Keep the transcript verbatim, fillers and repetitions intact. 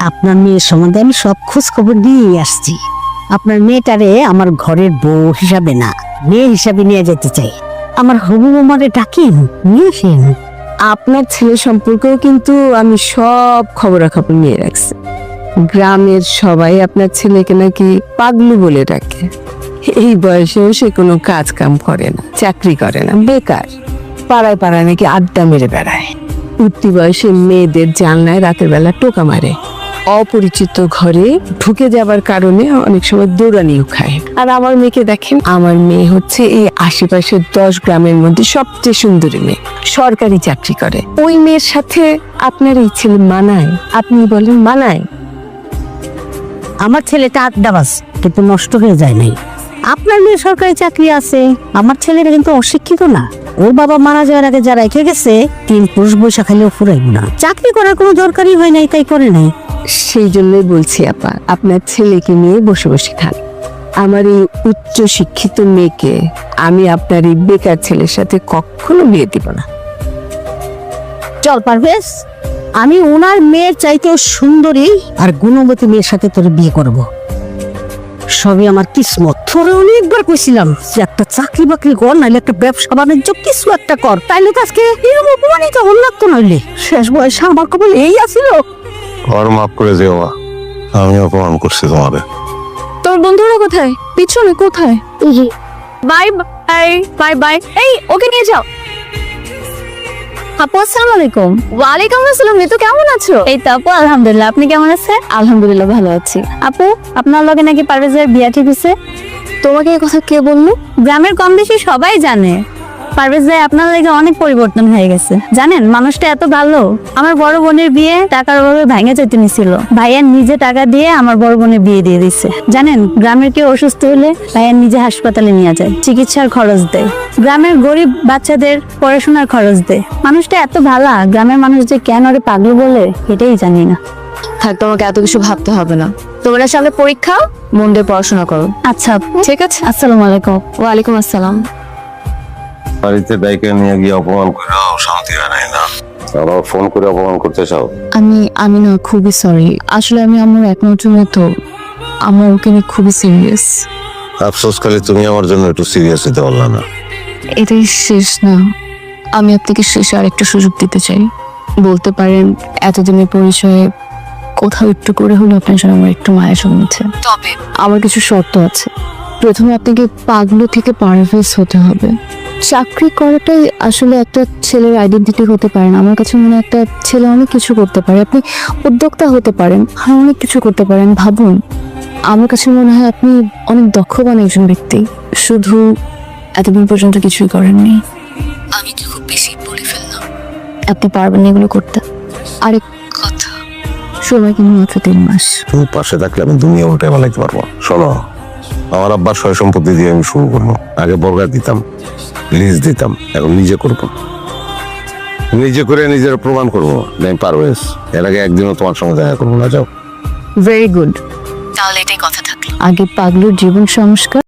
আপনার মেয়ের সম্বন্ধে আমি সব খোঁজ খবর নিয়ে আসছি। আপনার মেয়েটারে আমার ঘরের বউ হিসাবে না, মেয়ে হিসাবে নিয়ে যেতে চাই। আমার হবু বৌমারে ডাকেন, নিয়ে আসেন। আপনার ছেলে সম্পর্কেও কিন্তু আমি সব খবরাখবর নিয়ে রাখছি। গ্রামের সবাই আপনার ছেলেকে নাকি পাগলু বলে ডাকে। এই বয়সেও সে কোনো কাজ কাম করে না, চাকরি করে না, বেকার। পাড়ায় পাড়ায় নাকি আড্ডা মেরে বেড়ায়। উঠতি বয়সে মেয়েদের জানলায় রাতের বেলা টোকা মারে। অপরিচিত ঘরে ঢুকে যাবার কারণে অনেক সময় দৌড়ানিও খায়। আর আমার মেয়েকে দেখেন, আমার মেয়ে হচ্ছে এই আশেপাশের দশ গ্রামের মধ্যে সবচেয়ে সুন্দরী মেয়ে, সরকারি চাকরি করে। ওই মেয়ের সাথে আপনার এই ছেলে মানায়? আপনি বলেন মানায়? আমার ছেলেটা আড্ডাবাজ, কিন্তু নষ্ট হয়ে যায় নাই। আপনার মেয়ে সরকারি চাকরি আছে, আমার ছেলেটা কিন্তু অশিক্ষিত না। ওর বাবা মারা যাওয়ার আগে যারা রেখে গেছে, তিন পুরুষ বৈশা খাইলেও ফুরাইব না। চাকরি করার কোনো দরকারই হয় নাই, তাই করে নাই। সেই জন্যই বলছি আপা, আপনার ছেলেকে নিয়ে বসে বসে খান। আমার এই উচ্চ শিক্ষিত মেয়েকে আমি আপনার এই বেকার ছেলের সাথে কখনো বিয়ে দিব না। চল পারভেজ, আমি ওনার মেয়ের চাইতেও সুন্দরী আর গুণবতী মেয়ের সাথে তোর বিয়ে করব। সবই আমার কিসমত। তোরে অনেকবার কইছিলাম যে একটা চাকরি বাকরি কর, নাইলে একটা ব্যবসা বাণিজ্য কিছু একটা কর, তাইলে তো আজকে এরকম অপমানিত হল লাগতো। নইলে শেষ বয়সে আমার কবল এই আছিল। আর মাফ করে যেও মা, আমি অপমান করছি তোমারে। তোর বন্ধুরা কোথায়? পিছনে কোথায়? Bye bye bye bye. এই ওকে নিয়ে যাও। আপু আসসালামু আলাইকুম। ওয়ালাইকুম আসসালাম। ঋতু কেমন আছো? এই তো আপু আলহামদুলিল্লাহ। আপনি কেমন আছেন? আলহামদুলিল্লাহ ভালো আছি। আপু আপনার লগে নাকি পারভেজের বিয়া ঠিক হইছে? তোমাকে এই কথা কে বললো? গ্রামের কম বেশি সবাই জানে। পারভেজ ভাই আপনার লাগে অনেক পরিবর্তন হয়ে গেছে, জানেন? মানুষটা এত ভালো। আমার বড় বোনের বিয়ে টাকার অভাবে ভাঙে যেতে নিছিল, ভাইয়ার নিজে টাকা দিয়ে আমার বড় বোনের বিয়ে দিয়ে দিচ্ছে। জানেন, গ্রামের কেউ অসুস্থ হলে ভাইয়ার নিজে হাসপাতালে নিয়ে যায়, চিকিৎসার খরচ দেয়, গ্রামের গরিব বাচ্চাদের পড়াশোনার খরচ দেয়। মানুষটা এত ভালো। গ্রামের মানুষ যে কেন ওরে পাগল বলে এটাই জানি না। থাক, তোমাকে এত কিছু ভাবতে হবে না। তোমরা সামনে পরীক্ষা, মন দিয়ে পড়াশোনা করো। আচ্ছা ঠিক আছে? আসসালামু আলাইকুম। ওয়ালাইকুম আসসালাম। বাড়িতে ডাইকে নিয়ে গিয়ে অপমান করে শান্তি হয় নাই না? আবার ফোন করে অপমান করতে চাও? আমি আমি না খুবই সরি। আসলে আমি আমার একমাত্র মেয়ে তো, আমার ওকে নিয়ে খুবই সিরিয়াস। আফসোস খালি তুমি আমার জন্য একটু সিরিয়াস হতে পারলা না। এটাই শেষ না, আমি আপনাকে শেষে আর একটা সুযোগ দিতে চাই। বলতে পারেন এতদিনের পরিচয়ে কোথাও একটু করে হলো আপনার জন্য আমার একটু মায়া জন্মেছে। তবে আমার কিছু শর্ত আছে। প্রথমে আপনাকে পাগলু থেকে পারভেজ হতে হবে। চাকরি করাটাই আসলে একটা ছেলের আইডেন্টিটি হতে পারে না। আমার কাছে মনে হয় একটা ছেলে অনেক কিছু করতে পারে। আপনি উদ্যোক্তা হতে পারেন, হ্যাঁ অনেক কিছু করতে পারেন। ভাবুন, আমার কাছে মনে হয় আপনি অনেক দক্ষবান একজন ব্যক্তি, শুধু এতদিন পর্যন্ত কিছুই করেননি। আমি কি খুব বেশি বলে ফেললাম? আপনি পারবেন এগুলো করতে। আরেক কথা, সময় কিন্তু মাত্র তিন মাস। তুমি পাশে থাকলে আমি দুনিয়া উল্টে পালাইতে পারবো। শোনো, আমার আব্বার সয় সম্পত্তি দিয়ে আমি শুরু করবো। আগে বর্গা দিতাম, লিজ দিতাম, এখন নিজে করবো। নিজে করে নিজের প্রমাণ করবো আমি পারভেজ। এর আগে একদিনও তোমার সঙ্গে দেখা করবো না। যাও। ভেরি গুড, তাহলে এটাই কথা থাকলো। আগে পাগলুর জীবন সংস্কার,